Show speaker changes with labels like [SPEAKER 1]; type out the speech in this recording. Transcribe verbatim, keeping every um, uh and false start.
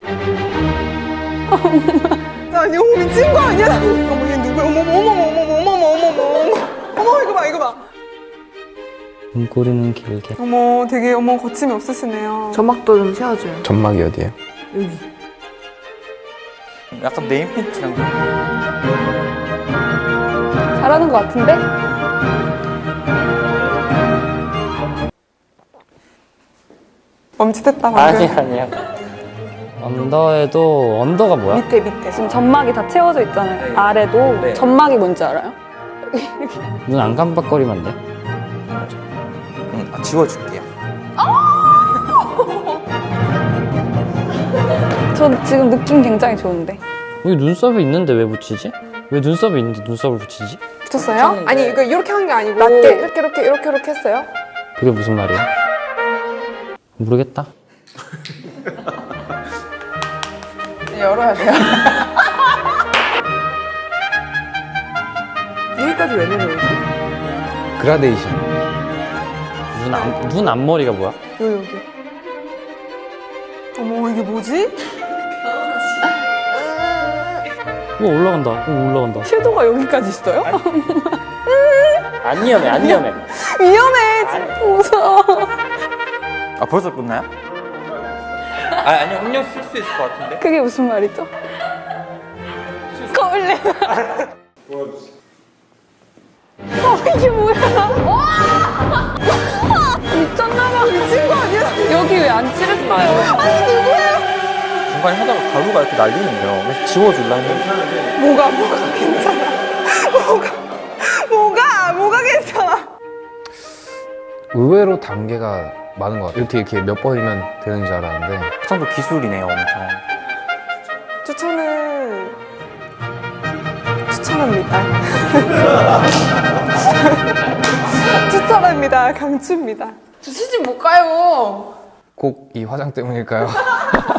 [SPEAKER 1] 나 이거 미친 거 아니야? 어머 얘 누구야? 어머 어머 어머 어머 어머 어머 어머 어머 어머 이거 봐 이거 봐.
[SPEAKER 2] 눈꼬리는 길게.
[SPEAKER 1] 어머 되게 어머 거침이 없으시네요.
[SPEAKER 3] 점막도 좀 세워줘요.
[SPEAKER 4] 점막이 어디예요?
[SPEAKER 3] 여기.
[SPEAKER 5] 약간 네임펜트랑
[SPEAKER 1] 잘하는 것 같은데? 멈칫했다 방금.
[SPEAKER 2] 아니 아니야. 언더에도 언더가 뭐야?
[SPEAKER 1] 밑에 밑에.
[SPEAKER 6] 지금 점막이 다 채워져 있잖아요.
[SPEAKER 5] 네.
[SPEAKER 6] 아래도
[SPEAKER 5] 네.
[SPEAKER 6] 점막이 뭔지 알아요?
[SPEAKER 2] 눈 안 깜빡거리면 안 돼?
[SPEAKER 5] 응, 아, 지워줄게요.
[SPEAKER 6] 저 지금 느낌 굉장히 좋은데.
[SPEAKER 2] 여기 눈썹이 있는데 왜 붙이지? 왜 눈썹이 있는데 눈썹을 붙이지?
[SPEAKER 1] 붙였어요? 아니 이거 이렇게 한 게 아니고
[SPEAKER 3] 낮게.
[SPEAKER 1] 이렇게 이렇게 이렇게 이렇게 했어요?
[SPEAKER 2] 그게 무슨 말이야? 모르겠다.
[SPEAKER 1] 열어야 돼요.
[SPEAKER 3] 여기까지 왜 내려오지?
[SPEAKER 4] 그라데이션.
[SPEAKER 2] 눈, 앞, 눈 앞머리가 뭐야?
[SPEAKER 1] 여기 여기. 어머 이게 뭐지?
[SPEAKER 2] 오 올라간다. 오 올라간다.
[SPEAKER 1] 섀도우가 여기까지 있어요?
[SPEAKER 2] 안 위험해, 안 위험해.
[SPEAKER 1] 위험해. 지금 무서워.
[SPEAKER 5] 아 벌써 끝나요? 아 아니요 음료 쓸 수 있을 것 같은데.
[SPEAKER 6] 그게 무슨 말이죠?
[SPEAKER 1] 거울래. 어 이게 뭐야?
[SPEAKER 6] 미쳤나봐.
[SPEAKER 1] 미친 거 아니야?
[SPEAKER 6] 여기 왜 안 칠했어요?
[SPEAKER 5] 중간에 하다가 가루가 이렇게 날리는데요. 그래서 지워줄라 했는데
[SPEAKER 1] 뭐가 뭐가 괜찮아? 뭐가 뭐가 뭐가 괜찮아?
[SPEAKER 4] 의외로 단계가 많은 것 같아요. 이렇게 이렇게 몇 번이면 되는 줄 알았는데
[SPEAKER 5] 그 정도 기술이네요, 엄청.
[SPEAKER 1] 추천은 추천합니다. 추천합니다. 강추입니다. 저 시집 못 가요.
[SPEAKER 4] 꼭 이 화장 때문일까요?